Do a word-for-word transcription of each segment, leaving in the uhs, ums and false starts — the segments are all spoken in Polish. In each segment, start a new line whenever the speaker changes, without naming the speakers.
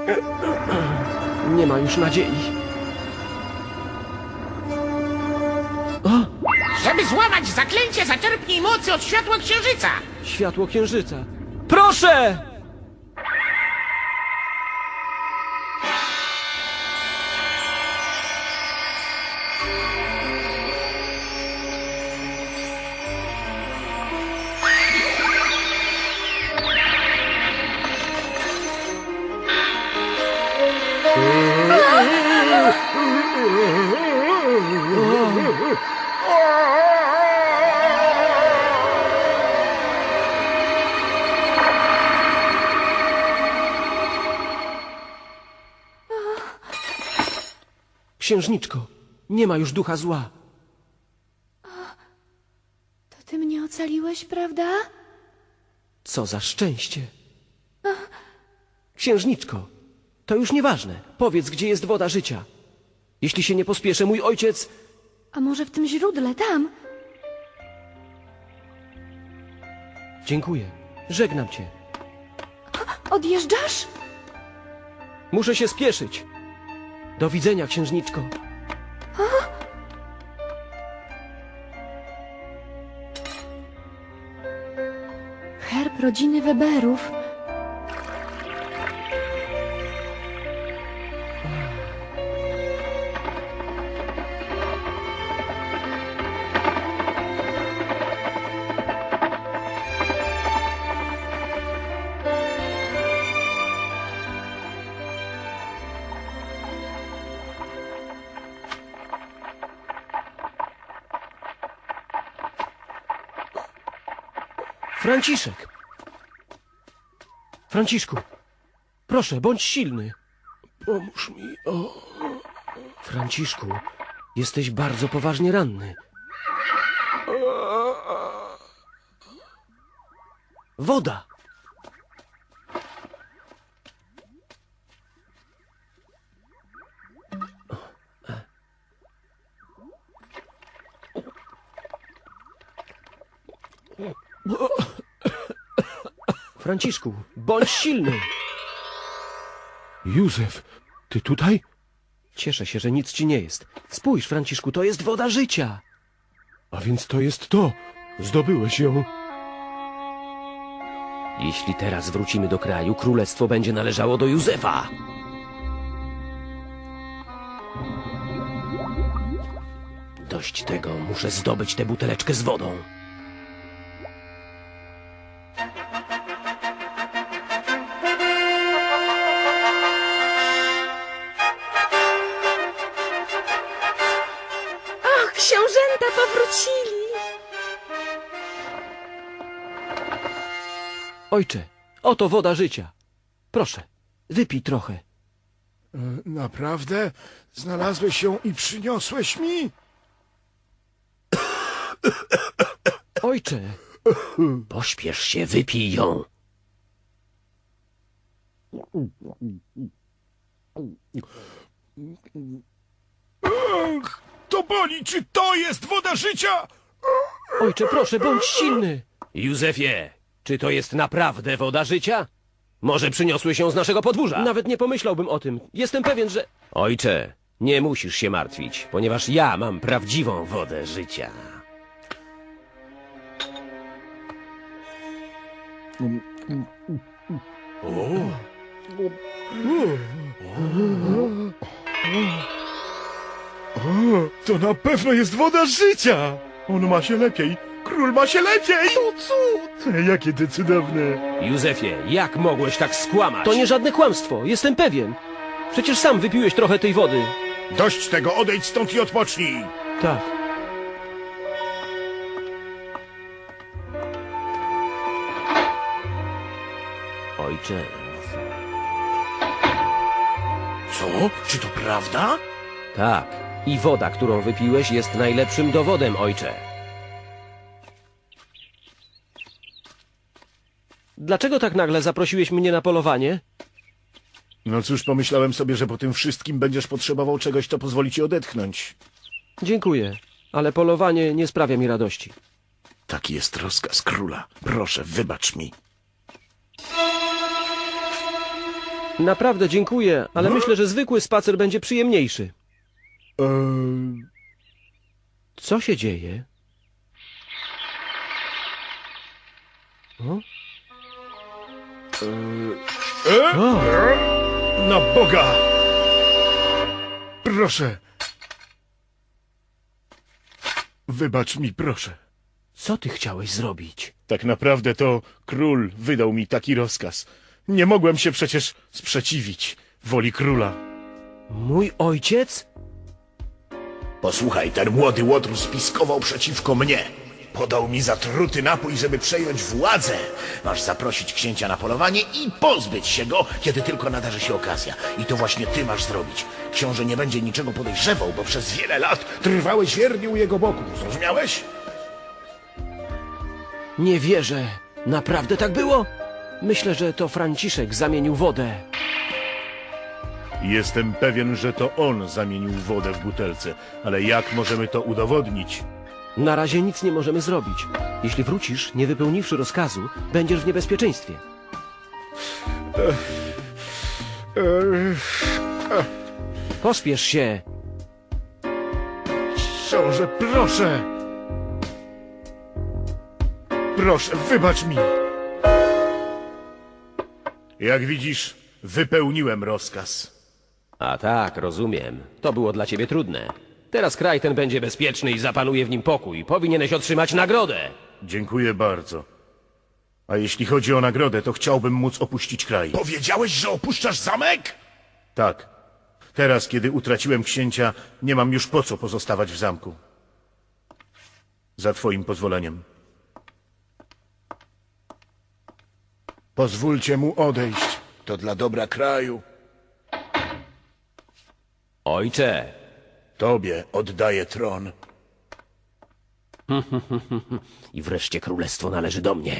Nie ma już nadziei. O!
Żeby złamać zaklęcie, zaczerpnij mocy od światła księżyca.
Światło księżyca. Proszę! Księżniczko, nie ma już ducha zła.
To ty mnie ocaliłeś, prawda?
Co za szczęście. Księżniczko, to już nieważne. Powiedz, gdzie jest woda życia. Jeśli się nie pospieszę, mój ojciec...
A może w tym źródle, tam?
Dziękuję. Żegnam cię.
Odjeżdżasz?
Muszę się spieszyć. Do widzenia, księżniczko.
Herb rodziny Weberów.
Franciszek! Franciszku, proszę, bądź silny. Pomóż mi, o... Franciszku, jesteś bardzo poważnie ranny. Woda! Franciszku, bądź silny.
Józef, ty tutaj?
Cieszę się, że nic ci nie jest. Spójrz, Franciszku, to jest woda życia.
A więc to jest to. Zdobyłeś ją.
Jeśli teraz wrócimy do kraju, królestwo będzie należało do Józefa. Dość tego, muszę zdobyć tę buteleczkę z wodą.
Och, książęta powrócili!
Ojcze, oto woda życia. Proszę, wypij trochę.
Naprawdę? Znalazłeś ją i przyniosłeś mi?
Ojcze, pośpiesz się, wypij ją.
Ach, to boli! Czy to jest woda życia?
Ojcze, proszę, bądź silny. Józefie, czy to jest naprawdę woda życia? Może przyniosłeś ją z naszego podwórza? Nawet nie pomyślałbym o tym. Jestem pewien, że... Ojcze, nie musisz się martwić, ponieważ ja mam prawdziwą wodę życia.
O, to na pewno jest woda życia! On ma się lepiej! Król ma się lepiej! To cud! Jakie to cudowne!
Józefie, jak mogłeś tak skłamać? To nie żadne kłamstwo, jestem pewien. Przecież sam wypiłeś trochę tej wody.
Dość tego, odejdź stąd i odpocznij!
Tak. Ojcze.
Co? Czy to prawda?
Tak. I woda, którą wypiłeś, jest najlepszym dowodem, ojcze. Dlaczego tak nagle zaprosiłeś mnie na polowanie?
No cóż, pomyślałem sobie, że po tym wszystkim będziesz potrzebował czegoś, co pozwoli ci odetchnąć.
Dziękuję, ale polowanie nie sprawia mi radości.
Taki jest rozkaz króla. Proszę, wybacz mi.
Naprawdę dziękuję, ale myślę, że zwykły spacer będzie przyjemniejszy.
Eee,
Co się dzieje? O?
e?
O!
Na Boga! Proszę. Wybacz mi, proszę.
Co ty chciałeś zrobić?
Tak naprawdę to król wydał mi taki rozkaz. Nie mogłem się przecież sprzeciwić woli króla.
Mój ojciec?
Posłuchaj, ten młody łotr spiskował przeciwko mnie. Podał mi zatruty napój, żeby przejąć władzę. Masz zaprosić księcia na polowanie i pozbyć się go, kiedy tylko nadarzy się okazja. I to właśnie ty masz zrobić. Książę nie będzie niczego podejrzewał, bo przez wiele lat trwałeś wiernie u jego boku. Zrozumiałeś?
Nie wierzę. Naprawdę tak było? Myślę, że to Franciszek zamienił wodę.
Jestem pewien, że to on zamienił wodę w butelce, ale jak możemy to udowodnić?
Na razie nic nie możemy zrobić. Jeśli wrócisz, nie wypełniwszy rozkazu, będziesz w niebezpieczeństwie. Pospiesz się.
Książę, proszę! Proszę, wybacz mi! Jak widzisz, wypełniłem rozkaz.
A tak, rozumiem. To było dla ciebie trudne. Teraz kraj ten będzie bezpieczny i zapanuje w nim pokój. Powinieneś otrzymać nagrodę.
Dziękuję bardzo. A jeśli chodzi o nagrodę, to chciałbym móc opuścić kraj.
Powiedziałeś, że opuszczasz zamek?
Tak. Teraz, kiedy utraciłem księcia, nie mam już po co pozostawać w zamku. Za twoim pozwoleniem.
Pozwólcie mu odejść. To dla dobra kraju.
Ojcze,
Tobie oddaję tron.
i wreszcie królestwo należy do mnie.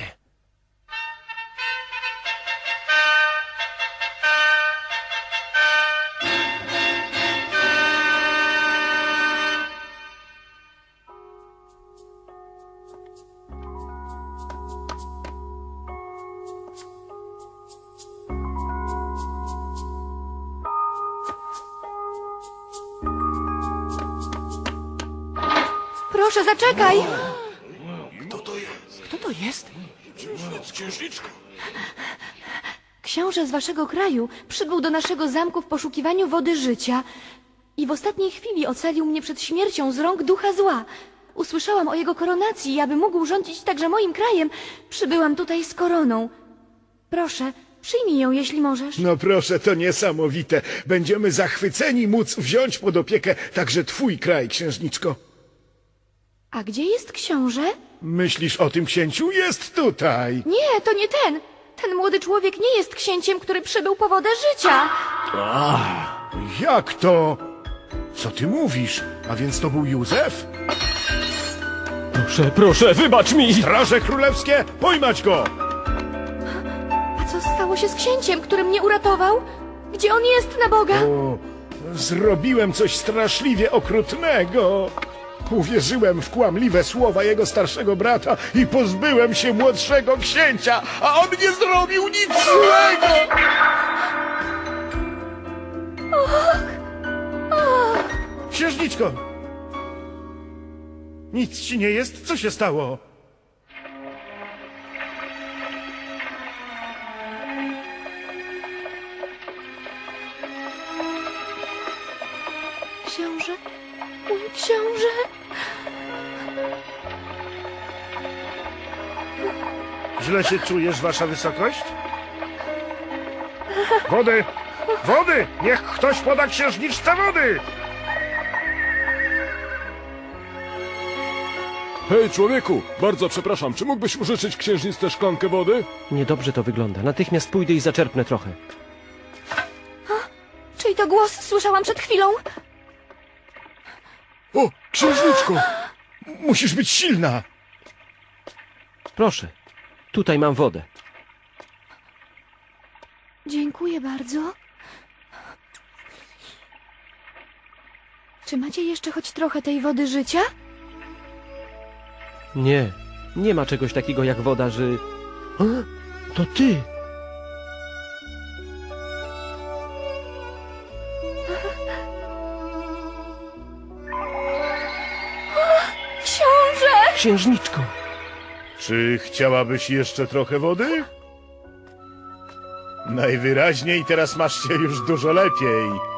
Proszę, zaczekaj!
Kto to jest?
Kto to jest?
Księżniczko.
Książę z waszego kraju przybył do naszego zamku w poszukiwaniu wody życia i w ostatniej chwili ocalił mnie przed śmiercią z rąk ducha zła. Usłyszałam o jego koronacji i aby mógł rządzić także moim krajem, przybyłam tutaj z koroną. Proszę, przyjmij ją, jeśli możesz.
No proszę, to niesamowite. Będziemy zachwyceni móc wziąć pod opiekę także twój kraj, księżniczko.
A gdzie jest książę?
Myślisz o tym księciu? Jest tutaj.
Nie, to nie ten. Ten młody człowiek nie jest księciem, który przybył po wodę życia.
Jak to? Co ty mówisz? A więc to był Józef?
Proszę, proszę, wybacz mi!
Straże królewskie, pojmać go!
A co stało się z księciem, który mnie uratował? Gdzie on jest, na Boga?
O, zrobiłem coś straszliwie okrutnego. Uwierzyłem w kłamliwe słowa jego starszego brata i pozbyłem się młodszego księcia, a on nie zrobił nic złego! Księżniczko! Nic ci nie jest? Co się stało?
Książę? Mój książę?
Źle się czujesz, wasza wysokość? Wody! Wody! Niech ktoś poda księżniczce wody!
Hej, człowieku! Bardzo przepraszam, czy mógłbyś użyczyć księżniczce szklankę wody?
Niedobrze to wygląda. Natychmiast pójdę i zaczerpnę trochę.
Czyj to głos słyszałam przed chwilą?
O, księżniczko! Musisz być silna!
Proszę, tutaj mam wodę.
Dziękuję bardzo. Czy macie jeszcze choć trochę tej wody życia?
Nie, nie ma czegoś takiego jak woda, że... A, to ty! księżniczko.
Czy chciałabyś jeszcze trochę wody? Najwyraźniej teraz masz się już dużo lepiej.